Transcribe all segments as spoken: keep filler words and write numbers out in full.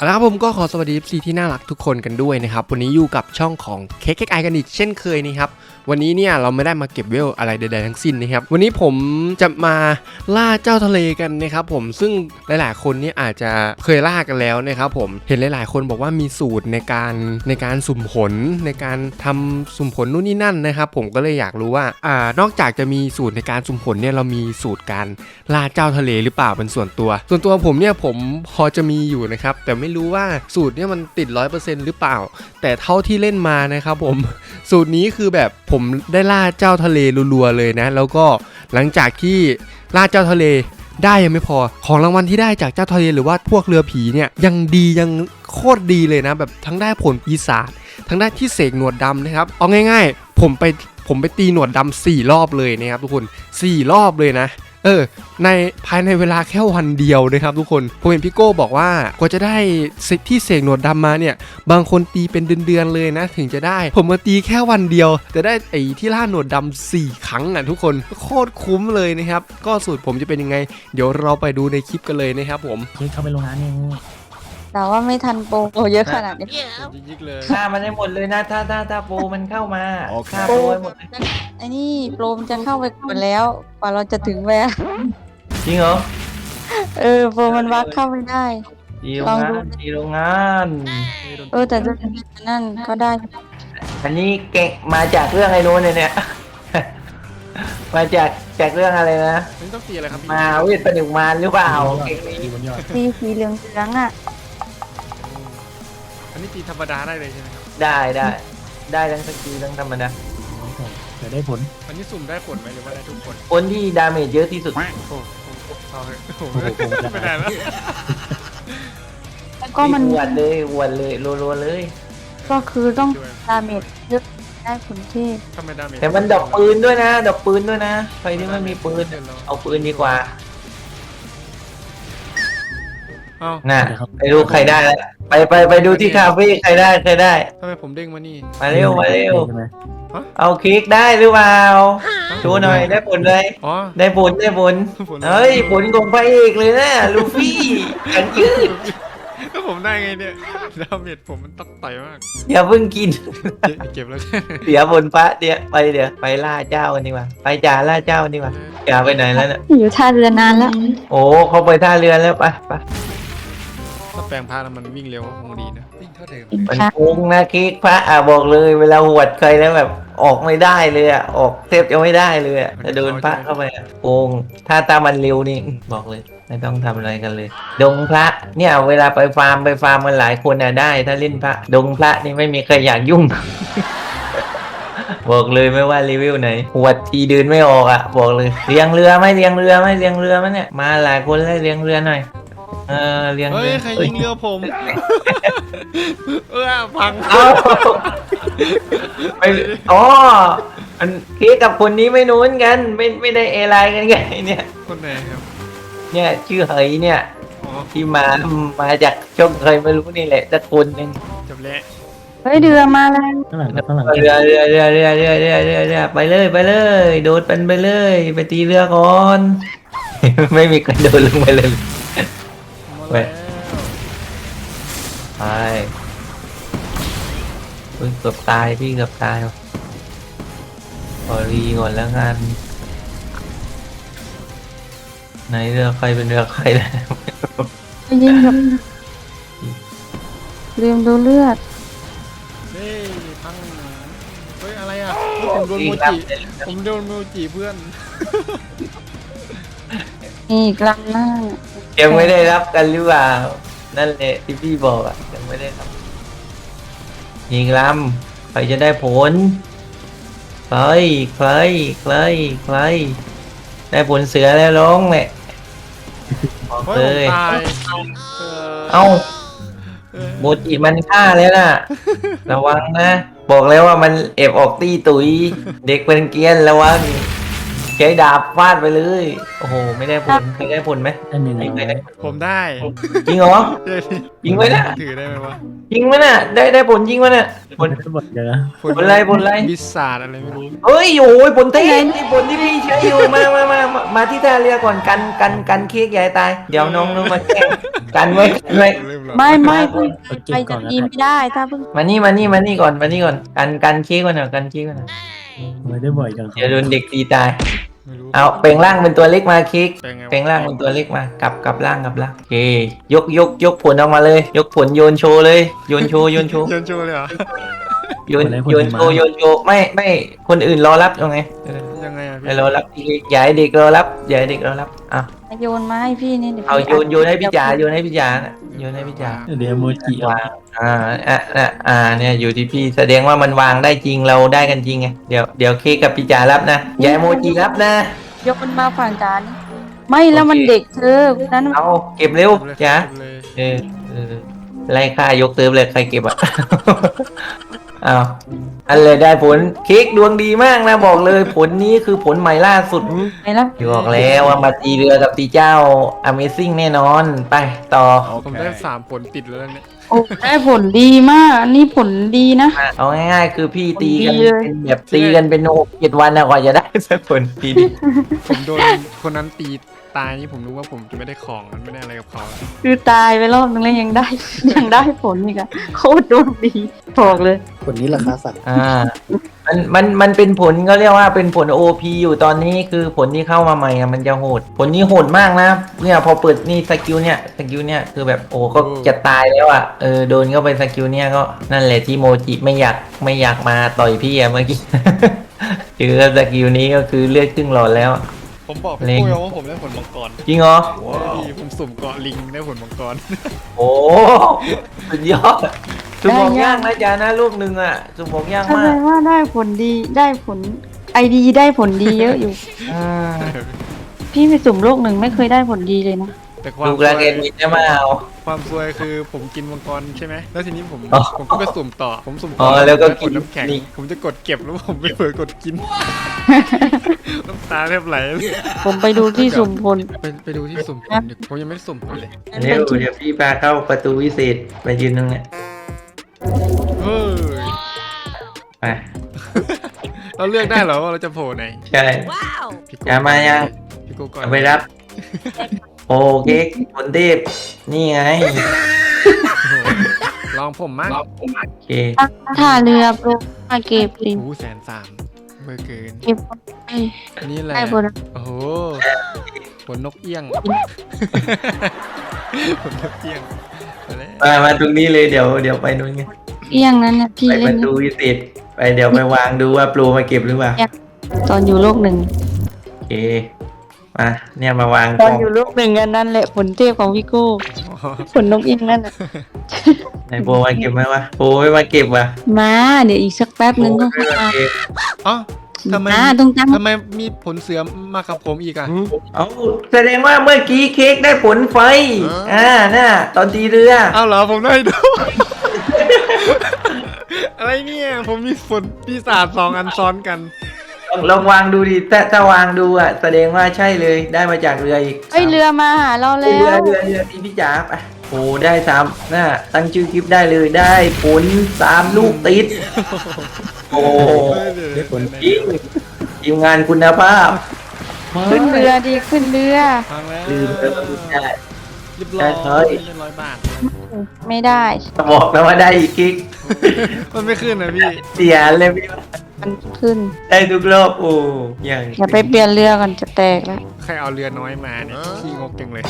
แล้วครับผมก็ขอสวัสดี เอฟ ซี ที่น่ารักทุกคนกันด้วยนะครับวันนี้อยู่กับช่องของ เค เค ไอ กันอีกเช่นเคยนะครับวันนี้เนี่ยเราไม่ได้มาเก็บเวลอะไรใดๆทั้งสิ้นนะครับวันนี้ผมจะมาล่าเจ้าทะเลกันนะครับผมซึ่งหลายๆคนเนี่ยอาจจะเคยล่ากันแล้วนะครับผมเห็นหลายๆคนบอกว่ามีสูตรในการในการสุ่มผลในการทำสุ่มผลนู่นนี่นั่นนะครับผมก็เลยอยากรู้ว่าอ่านอกจากจะมีสูตรในการสุ่มผลเนี่ยเรามีสูตรการล่าเจ้าทะเลหรือเปล่าเป็นส่วนตัวส่วนตัวผมเนี่ยผมพอจะมีอยู่นะครับแต่ไม่รู้ว่าสูตรเนี่ยมันติด ร้อยเปอร์เซ็นต์ หรือเปล่าแต่เท่าที่เล่นมานะครับผมสูตรนี้คือแบบผมได้ล่าเจ้าทะเลรัวๆเลยนะแล้วก็หลังจากที่ล่าเจ้าทะเลได้ยังไม่พอของรางวัลที่ได้จากเจ้าทะเลหรือว่าพวกเรือผีเนี่ยยังดียังโคตรดีเลยนะแบบทั้งได้ผลปีศาจทั้งได้ที่เสกหนวดดำนะครับเอาง่ายๆผมไปผมไปตีหนวดดำสี่รอบเลยนะครับทุกคนสี่รอบเลยนะเออในภายในเวลาแค่วันเดียวนะครับทุกคนผมเห็นพี่โก้บอกว่ากว่าจะได้ที่เสกหนวดดำมาเนี่ยบางคนตีเป็นเดือนๆเลยนะถึงจะได้ผมมาตีแค่วันเดียวแต่ได้ไอ้ที่ล่าหนวดดำสี่ครั้งอ่ะทุกคนโคตรคุ้มเลยนะครับก็สูตรผมจะเป็นยังไงเดี๋ยวเราไปดูในคลิปกันเลยนะครับผมเข้าไปโรงงานนี่แต่ว่าไม่ทันโปรเยอะขนาดนี้ยิกเลยฆ่ามันได้หมดเลยนะถ้าถ้าถ้าโปรมันเข้ามาโอเคฆ่าโปรให้หมดเลยไอ้นี่โปรมันจะเข้าไปก่อนแล้วกว่าเราจะถึงแวะจริงเหรอเออโปรมันวักเข้าไม่ได้ดีโรงงานดีโรงงานเออแต่จะนั่นก็ได้อันนี้เก่งมาจากเรื่องไอ้นู้นเนี่ย มาจากจากเรื่องอะไรนะนี่ต้องตีอะไรครับพี่มาเวทประดิษฐ์มารหรือเปล่าเก่งนี้สีสีเหลืองเหลืองๆอ่ะอันนี้ตีธรรมดาได้เลยใช่ไหมครับได้ได้ได้ทั้งสกิลทั้งธรรมดาจะได้ผลอันนี้สุ่มได้ผลไหมหรือว่าได้ทุกคนคนที่ดาเมจเยอะที่สุดโอ้โหเอาเลยโอ้โหไม่ได้แล้วแล้วก็มันหวดเลยหวดเลยรัวๆเลยก็คือต้องดาเมจเยอะได้ผลที่ทำไมดาเมจแต่มันดอกปืนด้วยนะดอกปืนด้วยนะใครที่ไม่มีปืนเอาปืนดีกว่าเอ้าน่ะไปดูใครได้แล้วไปไปไปดูที่คาเฟ่ใครได้ใครได้ทำไมผมเด้งมานี่มาเร็วมาเร็วใช่ไหมเอาคลิกได้หรือเปล่าดูหน่อยได้ผลเลยอ๋อได้ผลได้ผลผลเฮ้ยผลของพระเอกเลยนะลูฟี่กันยืดก็ผมได้ไงเนี่ยดาเมจผมมันต้องต่อยมากอย่าเพิ่งกินเก็บแล้วเสียผลพระเดี๋ยวไปเดี๋ยวไปล่าเจ้ากันดีกว่าไปจ่าล่าเจ้ากันดีกว่าจ่าไปไหนแล้วเนี่ยอยู่ท่าเรือนานแล้วโอ้เขาไปท่าเรือแล้วไปไปถ้าแปลงพาแล้วมันวิ่งเร็วก็คงดีนะวิ่งเท่าเดิมมันโกงนะคลิกพระอ่ะบอกเลยเวลาหวดใครแล้วแบบออกไม่ได้เลยอ่ะออกเทปจะไม่ได้เลยอ่ะจะโดนพระเข้าไปอ่ะโกงถ้าตามมันเร็วนี่บอกเลยไม่ต้องทำอะไรกันเลย ดงพระเนี่ยเวลาไปฟาร์มไปฟาร์มมันหลายคนอ่ะได้ ถ้าเล่นพระดงพระนี่ไม่มีใครอยากยุ่ง บอกเลยไม่ว่ารีวิวไหนหวดทีเดินไม่ออกอ่ะบอกเลยเลี้ยงเรือไหมเลี้ยงเรือไหมเลี้ยงเรือไหมเนี่ยมาหลายคนเลยเลี้ยงเรือหน่อยเออเลี้ยงเฮ้ยเรือใครยิงเรือผมเออพังเอ้าไปอ๋ออันเค้กกับคนนี้ไม่นู้นกันไม่ไม่ได้เอไลน์กันไงเนี่ยคนไหนครับเนี่ยชื่อเหยเนี่ยอ๋อที่มามาจากช่องเคยไม่รู้นี่แหละสักคนหนึ่งจบแล้วเฮ้ยเรือมาแล้วข้างหลังข้างหลังเรือเรือเรือเรือเรือเรือเรือเรือไปเลยไปเลย โดดเป็นไปเลย ไปตีเรือก่อน ไม่มีใครโดดลงไปเลยมาแล้วไปเฮ้ยเกือบตายพี่เกือบตายว่ะขอรีก่อนแล้วกันไหนเรือใครเป็นเรือใครแล้วไปยิงกับลืมดูเลือดเฮ้ยพังเฮ้ยอะไรอ่ะผมโดนโมจิผมโดนโมจิเพื่อนนี่อีกลำหน้ายังไม่ได้รับกันหรือเปล่านั่นแหละที่พี่บอกอ่ะยังไม่ได้รับยิงลำใครจะได้ผลใครใครใครใครได้ผลเสือแล้วร้องแหละบอกเฮ้เลย ยผมตายเอ้าเออโมจิมันฆ่าแล้วน่ะ ระวังนะ บอกแล้วว่ามันเอบออกตีตุย เด็กเป็นเกรียนระวังใช้ดาบฟาดไปเลย โอ้โห ไม่ได้ผลใครได้ผลไหมอันหนึ่งไม่ได้ผมได้จริงเหรอเฮ้ยยิงไว้นะถือได้ไหมวะจริงไหมน่ะ ได้ได้ผลจริงไหมน่ะผลหมดเลยนะผลอะไรผลอะไรบิสาดอะไรไม่รู้เฮ้ยโอ้ยผลเต้นที่ผลที่พี่ใช้อยู่มามามามามาที่ท่าเรือก่อนกันกันกันเค้กใหญ่ตาย เดี๋ยวน้องน้องมาแกล้งกันไว้กันไว้เริ่มหรอไม่ไม่มาเพิ่งเอาเก็ไปบก่จะอนนะยินไม่ได้ถ้าเพิ่งมานี่มานี่มานี่ก่อนมานี่ก่อนกันกันเค้กก่อนหน่อยกันเค้กก่อนหน่อยทำไมได้บ่อยจังเดี๋ยวโดนเด็กตีตายไม่รู้เอาแปลงร่างเป็นตัวเล็กมาเค้กเป็นไงวะแปลงร่างเป็นตัวเล็กมากลับกลับร่างกลับร่างโอเคยกยกยกผลออกมาเลย ยกผลโยนโชว์เลยโยนโชว์โยนโชว์โยนโชว์เลยเหรอโยนโยนโชว์โยนโชว์ไม่ไม่คนอื่นรอรับยังไงเออยังไงอ่ะไม่พี่รอรับอย่าให้เด็กรอรับอย่าให้เด็กรอรับอ่ะโยนมาให้พี่นี่เดี๋ยวเอาพี่โยนโยนให้พี่จ๋าโยนให้พี่จ๋าน่ะโยนให้พี่จ๋าเดี๋ยวโมจิเอาวางอ่าอ่ะอ่ะอ่าเนี่ยอยู่ที่พี่แสดงว่ามันวางได้จริงเราได้กันจริงไงเดี๋ยวเดี๋ยวเค้กกับพี่จ๋ารับนะอย่าให้โมจิรับนะยกมันมาฝั่งจานไม่แล้วมันเด็กเธอนั้นเอาเก็บเร็วเลยจ๋าเลยเออเออไล่ค่ายกเติมเลยใครเก็บอ่ะ เอาอันเลยได้ผลเค้กดวงดีมากนะบอกเลยผลนี้คือผลใหม่ล่าสุดไปแล้วบอกแล้วว่ามาตีเรือกับตีเจ้า Amazing แน่นอนไปต่อผมได้สามผลติดแล้วเนี่ยโอ้ได้ผลดีมากอันนี้ผลดีนะเอาง่ายๆ คือพี่ตีกันดีเลยเป็นแบบตีกันเป็นหกเจ็ดวันนะกว่าจะได้สักผลดีดีผมโดนคนนั้นตีตายนี่ผมรู้ว่าผมจะไม่ได้ของมันไม่ได้อะไรกับเขาคือตายไปรอบนึงแล้วยังได้ ยังได้ผลอีกอะโคตรดวงดีบอกเลยผลนี้ราคาสั่งอ่ามันมันมันเป็นผลก็เรียกว่าเป็นผล โอ พี อยู่ตอนนี้คือผลที่เข้ามาใหม่อะมันจะโหด ผลนี้โหดมากนะเนี่ยพอเปิดนี่สกิลเนี่ยสกิลเนี่ยคือแบบโอ้ก็จะตายแล้วอ่ะเออโดนเข้าไปสกิลเนี่ยก็นั่นแหละที่โมจิไม่อยากไม่อยากมาต่อยพี่อะเมื่อกี้ เจอสกิลนี้ก็คือเลือดครึ่งหลอดแล้วผมบอกเล็พี่งปุ้ยว่าผมได้ผลมังกรจริงเหรอพี่ผมสุ่มเกาะลิงได้ผลมังกรโอ้สุดยอดสุ่มบอกยากนะจ๊ะนะลูกหนึ่งอ่ะสุ่มบอกยากแสมาดกงว่าได้ผลดีได้ผลไอดีได้ผลดีเยอะอยู่อ่าพี่ไปสุ่มโลกหนึ่งไม่เคยได้ผลดีเลยนะแต่ความลูกแรกเอ็นมินจะมาเอาความซวยคือผมกินมังกรใช่ไหมแล้วทีนี้ผมอ๋อผมก็ไปสุ่มต่อผมสุ่มอ๋ต่อแล้วก็ได้ผลกินน้ำแข็งนี่ผมจะกดเก็บแล้วผมไปเผลอกดกิน น้ำตาแทบไหลผมไปดูที่สุ่มผลไปไปดูที่สุ่มผลดิผมยังไม่ได้สุ่มผลเลยเร็วเดี๋ยวพี่พาเข้าประตูวิเศษไปยืนตรงเนี้ยเฮ้ยไปเราเลือกได้เหรอว่าเราจะโผล่ไหนใช่พี่โก้อย่ามายังพี่โก้ก่อนเอาไปรับ โอเคผลเทพนี่ไงโอ้โหลองผมมั้งโอเคท่าเรือโปรมาเก็บลิงโอ้แสนสามเบอร์เกินเก็บไอ้นี่แหละได้ผลโอ้โหผลนกเอี้ยง ผลนกเอี้ยงไปแล้วมามาตรงนี้เลยเดี๋ยวเดี๋ยวไปนู่นไงเอี้ยงนั้นเนี่ยพี่ไปปเล่นระตูวิเศษไปเดี๋ยวไปวางดูว่าปลูมาเก็บหรือเปล่าตอนอยู่โลกหนึ่งโอเคมาเนี่ยมาวางตกอล้นองอยู่โลกหนึ่งอันนั้นแหละผลเทพของพี่โก้ผลนกเอี้ยงนั่นน่ะไหนโบมาเก็บไหมวะโบไม่มาเก็บวะมาเดี๋ยวอีกสักแป๊บนึงโบก็ไม่มามาเก็บอ๋อทำไมมาตรงจังทำไมมีผลเสือมากับผมอีกอ่ะเอาแสดงว่าเมื่อกี้เค้กได้ผลไฟอ่าน่ะตอนตีเรืออ้าวเหรอผมได้ดู อะไรเนี่ยผมมีผลปีศาจสองอันซ้อนกันลองลองวางดูดิถ้าถ้าวางดูอ่ะแสดงว่าใช่เลยได้มาจากเรืออีกเอ้ยเรือมาหาเราแล้เรือวเรือเรือที่พี่จ๋าไปโอ้ได้สามน่ะตั้งชื่อคลิปได้เลยได้ผลสามลูกติดโอ้ได้ผลจริงทีมงานคุณภาพขึ้นเรือดีขึ้นเรือฟังแล้วลืมแล้วก็ได้เรียบร้อยได้เลยเรียบร้อยบาทไม่ได้บอกแล้วว่าได้อีกคลิกมันไม่ขึ้นนะพี่เสียเลยพี่มันขึ้นได้ทุกรอบโอ้ยังอย่าไปเปลี่ยนเรือก่อนจะแตกแล้วใครเอาเรือน้อยมาเนี่ยขี้งกจังเลย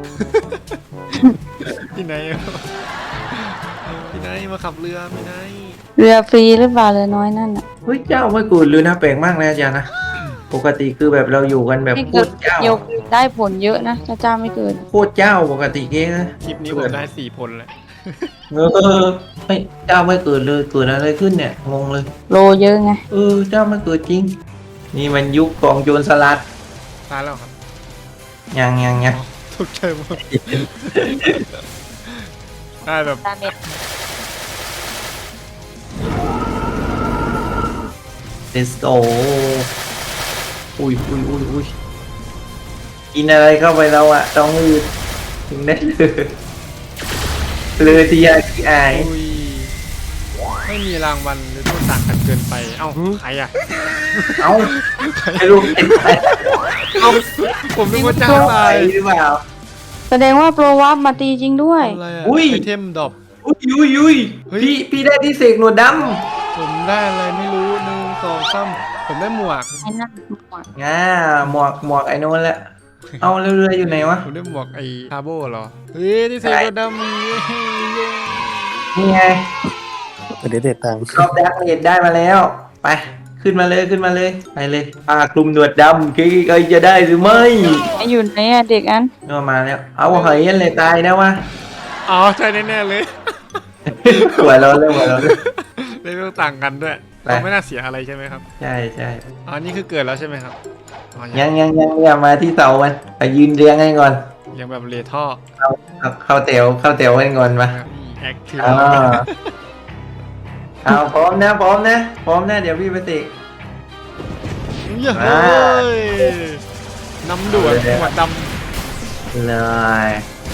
พี่ไหนอะพี่ไหนมาขับเรือพี่ไหนเรือฟรีหรือเปล่าเรือน้อยนั่นอ่ะเฮ้ยเจ้าไม่กูดเลยนะแปลกมากนะอาจารย์นะปกติคือแบบเราอยู่กันแบบไม่โคเกิตดรเจ้าเดียวได้ผลเยอะนะถ้าเจ้าไม่เกิดโคตรเจ้าปกติเก๊นะคลิปนี้ผมได้สี่ผลแล้วเออไม่เจ้าไม่เกิดเลยเกิดอะไรขึ้นเนี่ยงงเลยโลเยอะไงเออเจ้าไม่เกิดจริง นี่มันยุคของโจรสลัดตายแล้วครับยังยังยังทุกใจหมดได้แบบดาเมจเดสโตอุ้ยอุ้ยอุ้ยอุ้ยกินอะไรเข้าไปแล้วอะต้องอืดถึงได้เลยเลยที่ยาที่อายอุ้ยไม่มีรางวัลหรือโทษต่างกันเกินไป เอ้าใครอ่ะเอ้าไม่รู้เป็นใครผมนึกว่าเจ้าไปตายหรือเปล่าแสดงว่าโปรวับมาตีจริงด้วยอะไรอะอุ้ยไอเทมดรอปอุ้ยอุ้ยอุ้ยเฮ้ยพี่พี่ได้ที่เสกหนวดดผมได้อะไรไม่รู้หนึ่งสองสามผมได้หมวกไอ้นั่นหมดำง่าหมวกหมวกไอ้นู้นแหละเอาเรือๆอยู่ไหนวะผมได้หมวกไอ้ทาโบเหรอเฮ้ยที่เซโกดามีเย้นี่ไงเดี๋ยวเด็ดตังค์รอบดักเห็ดได้มาแล้ว ไปขึ้นมาเลยขึ้นมาเลยไปเลยปากคลุมหนวดดำกี่ใครจะได้หรือไม่ไอ้อยู่ไหนอะเด็กอันก็มาแล้วเอาเฮ้ยยันเลยตายนะวะอ๋อใช่แน่ๆเลยหัวเราะเลยหัวเราะเลยเลเวลต่างกันด้วยไปเราไม่น่าเสียอะไรใช่ไหมครับใช่ใช่อ๋อนี่คือเกิดแล้วใช่ไหมครับอ๋อยังยังยังอย่ามาที่เสามันไปยืนเรียงกันก่อนยังแบบเลท่อเข้าเข้าแถวเข้าแถวกันก่อนมาแอคทีฟอ่าเอาพร้อมนะพร้อมนะพร้อมนะเดี๋ยวพี่ไปติเย้ยน้ำด่วนหัวดเลย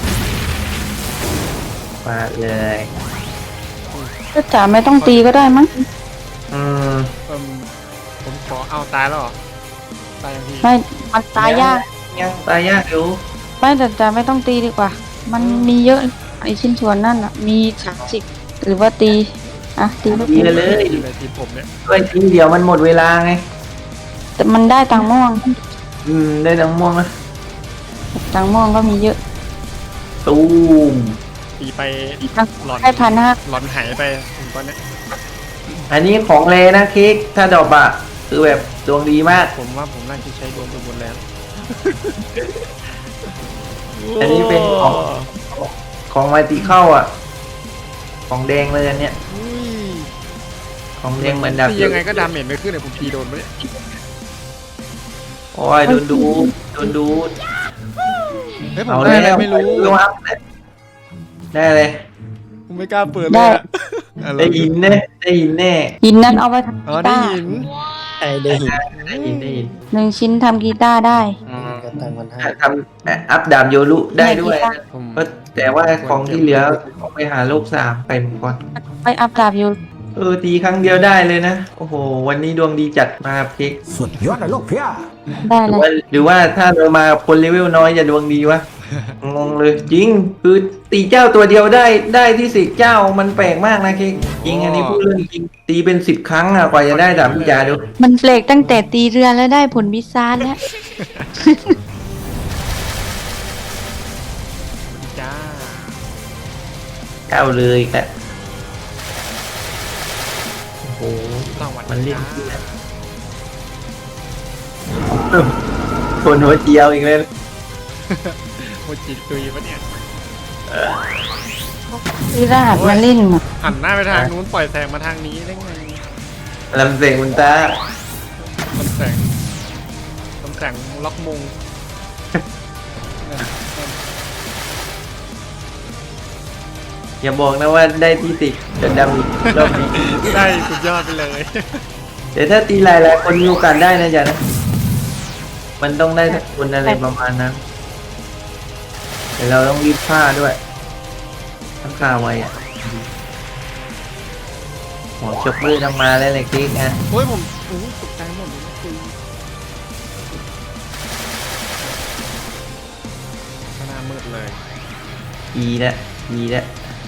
ฟาดเลยก็จ๋าไม่ต้องตีก็ได้มั้งอืมำเอิ่มผมขอเอาตายแล้วเหรอตายยังพี่ไม่มันตายยากยังตายยากอยู่ไม่แต่จ๋าไม่ต้องตีดีกว่า มันมีเยอะไอชิ้นส่วนนั่นอ่ะมีสามสิบหรือว่าตีอ่ะตีไม่ดีตีกันเลยอยู่ในทีมผมเนี่ยด้วยทีเดียวมันหมดเวลาไงแต่มันได้ตังค์ม่วงอืมได้ทั้งม่วงนะตังค์ม่วงก็มีเยอะตูมตีไปตังค์หลอนได้พันห้าหลอนหายไปผมตอนเนี้ยอันนี้ของเลนะเค้กถ้าดอกอะคือแบบดวงดีมากผมว่าผมน่าจะใช้ดวงไปหมดแล้วอันนี้เป็นของ ของมาติเข้าอ่ะ ของแดงเลยอันเนี้ยอุ้ยของแดงเหมือนดาบตียังไงก็ดาเมจไม่ขึ้นเลยผมตีโดนไปเนี่ยโอ้ยโดนดูดโดนดูดเฮ้ยผมเอาได้แล้อะไรวไม่รู้ได้เลยผมไม่กล้าเปิดเลยอะอะรได้ยินแน่ได้ยินแน่หินนั้นเอาไปทำอ๋อกีได้ตาร์หินไอ้ได้หินได้ยินได้ยินหนึ่งชิ้นทำกีตาร์ได้อืมก็ตังค์มันให้ทำอัพดาบโยรุได้ด้วยผมก็แต่ว่าของที่เหลือเอาไปหาโลกสามไปหมดก่อนไปอัพดาบอยู่เออตีครั้งเดียวได้เลยนะ โอ้โห วันนี้ดวงดีจัดมาครับเค้กสุดยอดเลยลูกเพี้ยได้หรืเลอว่าย หรือว่าถ้าเรามาคนเลเวลน้อยจะดวงดีวะ งงเลยจริง คือตีเจ้าตัวเดียวได้ได้ที่สิบเจ้ามันแปลกมากนะเค้กจริงอันนี้พูดเรื่องจริงตีเป็นสิบครั้งอะกว่าจะได้ดาบพิจาดูมันเปลกตั้งแต่ตีเรือแล้วได้ผลวิซาร์แล้วจ้าเก้าเลยครับโอ้โหสวัสมันดีเล่นจ้าที่ไหนคนหัวเจียวอีกเลยโมจิตุยปะเนี่ยซื้อรหัสมาเล่นอ่ะหันหน้าไปทางนู้นปล่อยแสงมาทางนี้ได้ไงลำเสงคุณตาลำแสงลำแสงล็อกมงอย่าบอกนะว่าได้ที่สิบจะดำอีกรอบนี้ได้สุดยอดไปเลยเดี๋ยวถ้าตีหลายๆคนมีโอกาสได้นะจ๊ะนะ มันต้องได้สักคนอะไรประมาณนั้นแต่เราต้องรีบฆ่าด้วยต้องฆ่าไวอ่ะหัวชกมือทำมาแล้วเลยคลิกนะโอ้ยผมโอ้ยตกใจหมดเลยคุยหน้ามืดเลยอีละอีละ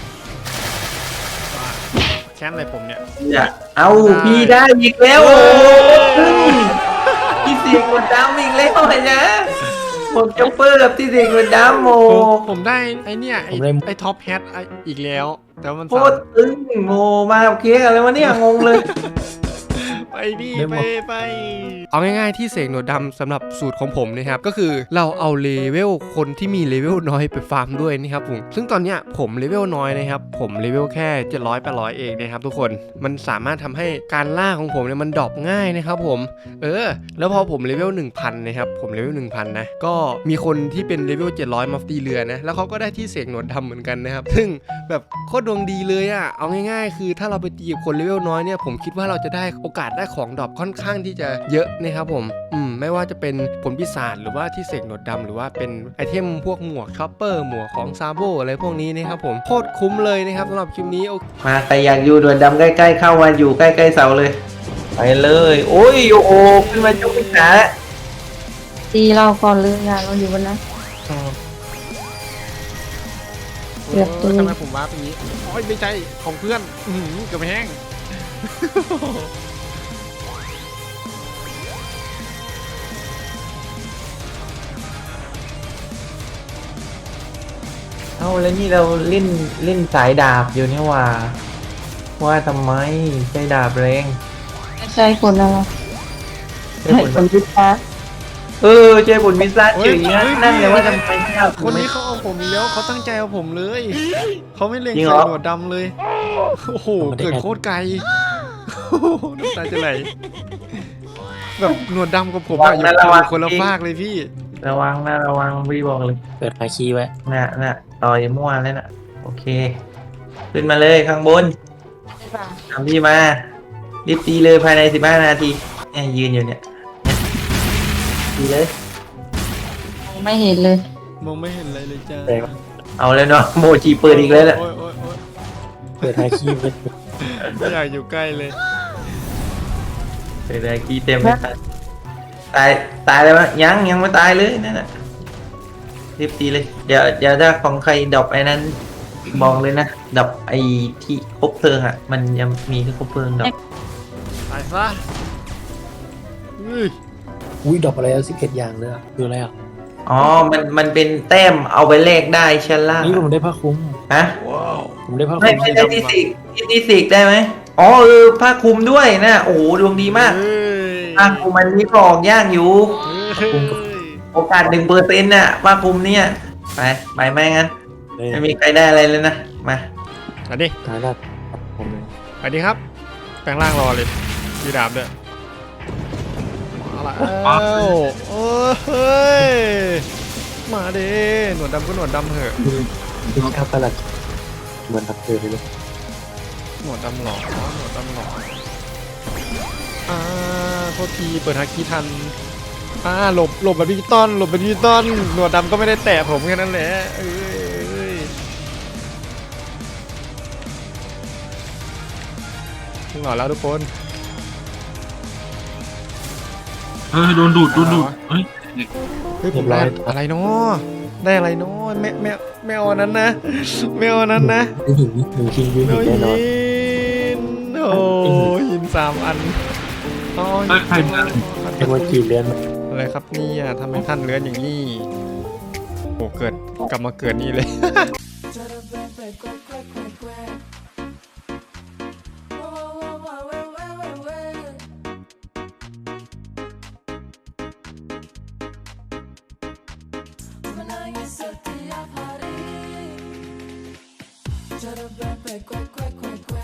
ว่าแค้นอะไรผมเนี่ยอย่าเอาพี่ได้อีกแล้วโอ้ยพี่เสียงกดดำอีกแล้วไอ้นะผมจ็อกเปอร์กับที่เสียงกดดำโมผมผมได้ไอเนี่ยไอไอท็อปแฮทอีกแล้ว แต่ว่ามันโคตรตึงโมมาเค้กอะไรวะเนี่ยงงเลยไปดิไปไปเอาง่ายๆที่เสกหนวดดำสำหรับสูตรของผมนะครับก็คือเราเอาเลเวลคนที่มีเลเวลน้อยไปฟาร์มด้วยนะครับผมซึ่งตอนเนี้ยผมเลเวลน้อยนะครับผมเลเวลแค่เจ็ดร้อยแปดร้อยเองนะครับทุกคนมันสามารถทำให้การล่าของผมเนี่ยมันดรอปง่ายนะครับผมเออแล้วพอผมเลเวลหนึ่งพันนะครับผมเลเวลหนึ่งพันนะก็มีคนที่เป็นเลเวลเจ็ดร้อยมาตีเรือนะแล้วเขาก็ได้ที่เสกหนวดดำเหมือนกันนะครับซึ่งแบบโคตรดวงดีเลยอะเอาง่ายๆ คือถ้าเราไปตีกับคนเลเวลน้อยเนี่ยผมคิดว่าเราจะได้โอกาสได้ของดรอปค่อนข้างที่จะเยอะนะครับผมอืมไม่ว่าจะเป็นผลพิศาจหรือว่าที่เสกหนวดดำหรือว่าเป็นไอเทมพวกหมวกช็อปเปอร์หมวกของซาโบอะไรพวกนี้นะครับผมโคตรคุ้มเลยนะครับสำหรับคลิปนี้โอเคมาใครอยากอยู่ด่วนดำใกล้ๆเข้ามาอยู่ใกล้ๆเสาเลย ไปเลย โอ้ยโอ้โหขึ้นมาจุกพิษาตีเราก่อนเลยอ่ะเราอยู่บนนั้นเกือบตุยทำไมผมว้าไปนี้โอ้ยไม่ใช่ของเพื่อนอื้อหือเกือบแห้งเอาแล้วนี่เราเล่นเล่นสายดาบอยู่นี่ว่า ว่าทำไมใช้ดาบแรงไม่ใช่คนอะไรใช้ใช่ผลคนวิทย์นะเออใช้ผลมิสซัสเฉยนะนั่นเลยว่าทำไมไม่เอาคนนี้เขาเอาผมอีกแล้วเขาตั้งใจเอาผมเลยเขาไม่เล็งจริงเหรใส่อหนวดดำเลยโอ้โหเกิดโคตรไกลโอ้โหน้ำตาจะไหลแบบหนวดดำกับผมอะอยู่อยู่คนละฟากเลยพี่ระวังนะระวังพี่บอกเลยเปิดฮาคีไว้น่ะน่ะต่อยมั่วแล้วน่ะโอเค ขึ้นมาเลยข้างบนใช่ป่ะทำพี่มารีบตีเลยภายในสิบห้านาทีเนี่ยยืนอยู่เนี่ยตีเลยไม่เห็นเลยมองไม่เห็นอะไรเลยจ้าแรงเอาแล้วเนาะโมจิเปิดอีกแล้วน่ะโอ้ยโอ้ยโอ้ยเปิดฮาคีไว้ไม่อยากอยู่ใกล้เลยเปิดเลยกีเต็มเลยตายตายเลยมั้ยยังยังไม่ตายเลยนั่นน่ะรีบตีเลยเดี๋ยวเดี๋ยวถ้าของใครดรอปไอ้นั้นบอกเลยนะดรอปไอ้ที่คบเพลิงอ่ะมันยังมีที่คบเพลิงดรอปตายซะเฮ้ยอุ้ยดอกอะไรสิบเอ็ดอย่างเลยอะคืออะไรอ่ะอ๋อมันมันเป็นแต้มเอาไปแลกได้ชั้นล่างนี่ผมได้ผ้าคลุมฮะว้าวผมได้ผ้าคไม่ลุมไม่ได้ที่สิกที่ที่สิกได้ไหมอ๋อเออผ้าคลุมด้วยนะโอ้โหดวงดีมากเฮ้ยผ้าคลุมมันมีกรอกยากอยู่เฮ้ยโอกาสหนึ่งเปอร์เซ็นต์น่ะผ้าคลุมเนี่ยไปไปไหมงั้นเลยไม่มีใครได้อะไรเลยนะมามาดิตายแล้วผมเลยไปดิครับ แปลงร่างรอเลยยีดาบด้วยมาละเอ้าโอ้ยเฮ้ยมาดิหนวดดำก็หนวดดำเหอะดูข้าวประหลัดเหมือนทับเธอเลยหนวดดำหลอกหนวดดำหลอกอ่าโทษทีเปิดฮาคิทันอ่าหลบหลบแบบดิจิตอลหลบแบบดิจิตอลหนวดดำก็ไม่ได้แตะผมแค่นั้นแหละเอ้ยเอ้ยถึงหน่อยแล้วทุกคนเฮ้ยโดนดูดโดนดูดเฮ้ยเฮ้ยผมได้อะไรเนาะได้อะไรเนาะแม่แม่แม่เอาอันนั้นนะแม่เอาอันนั้นนะได้หินหนึ่งชิ้นยืนแม่หินเอาแน่นอนหินโอ้หินสามอันอ๋อเฮ้ยใครมาไอ้ว่าจีเลื่อนอะไรครับเนี่ยทำไมท่านเลื้อนอย่างนี้โอ้เกิดกลับมาเกิดนี่เลย Menangis setiap hari. Cara bebek, kue, kue, kue, kue.